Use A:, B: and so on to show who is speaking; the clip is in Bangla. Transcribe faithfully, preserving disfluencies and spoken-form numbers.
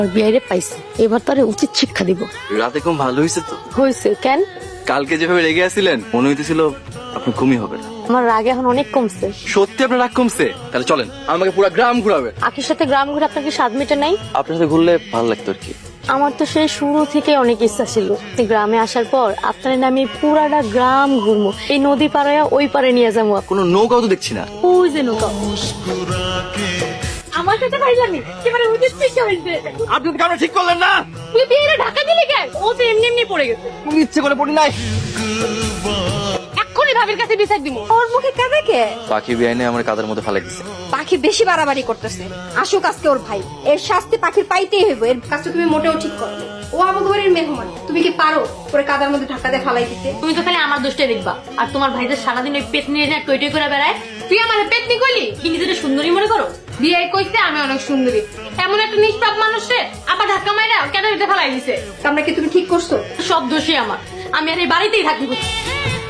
A: বিয়ারে পাইছে, এবার তারে উচিত শিক্ষা দিব।
B: রাতে ঘুম ভালো হয়েছে তো?
A: হয়েছে কেন?
B: কালকে যেভাবে রেগে আসছিলেন মনে হইতেছিল আপনার ঘুমই হবে না।
A: আমার রাগ এখন অনেক কমছে।
B: সত্যি আপনার রাগ কমছে? তাহলে চলেন আমাকে পুরো গ্রাম ঘুরাবে।
A: আখির সাথে গ্রাম ঘুরে আপনার কি স্বাদ মেটে নাই?
B: আপনার সাথে ঘুরলে ভালো লাগতো আর কি।
A: আমার তো সেই শুরু থেকে অনেক ইচ্ছা ছিল গ্রামে আসার পর আপনার নামে পুরাটা গ্রাম ঘুরবো, এই নদী পাড়ে ওই পারে নিয়ে যাবো।
B: কোনো নৌকাও তো দেখছি না।
A: ওই যে নৌকা। আমার সাথে পাইলামি এবারে উচিত শিক্ষা হয়েছে।
B: আপনি তো কারণ ঠিক করলেন না।
A: তুই বিয়েরে ঢাকা দিলি কেন? ও তো এমনি এমনি পড়ে গেছে।
B: তুমি ইচ্ছে করে পড়ি নাই।
A: এক্ষুনি ভাবির কাছে বিচার দিব।
C: ওর মুখে কাঁদে কে?
B: পাখি বিয়াইনে আমার কাদের মধ্যে ফালাই দিচ্ছে।
C: পাখি বেশি বাড়াবাড়ি করতেছে। আসুক আজকে ওর ভাই, এর শাস্তি পাখির পাইতেই হইব। এর কাজটা তুমি মোটেও ঠিক করো। ও আমাকে বাড়ির মেহমান, তুমি কি পারো ওরে কাদার মধ্যে ধাক্কা দিয়ে ফালাই দিতে?
A: তুমি তো খালি আমার দোষটাই দেখবা, আর তোমার ভাইদের সারাদিন ওই পেট নিয়ে টই টই করে বেড়ায়। তুই আমার পেতনি কইলি কি নিজের সুন্দরী মনে করো? বিয়ে কইতে আমি অনেক সুন্দরী, এমন একটা নিষ্পাপ মানুষে আবার ধাক্কা মাইরা কেন এটা ফেলাই দিছে?
C: আমরা কি তুমি ঠিক করছো?
A: সব দোষই আমার, আমি আর এই বাড়িতেই থাকবো।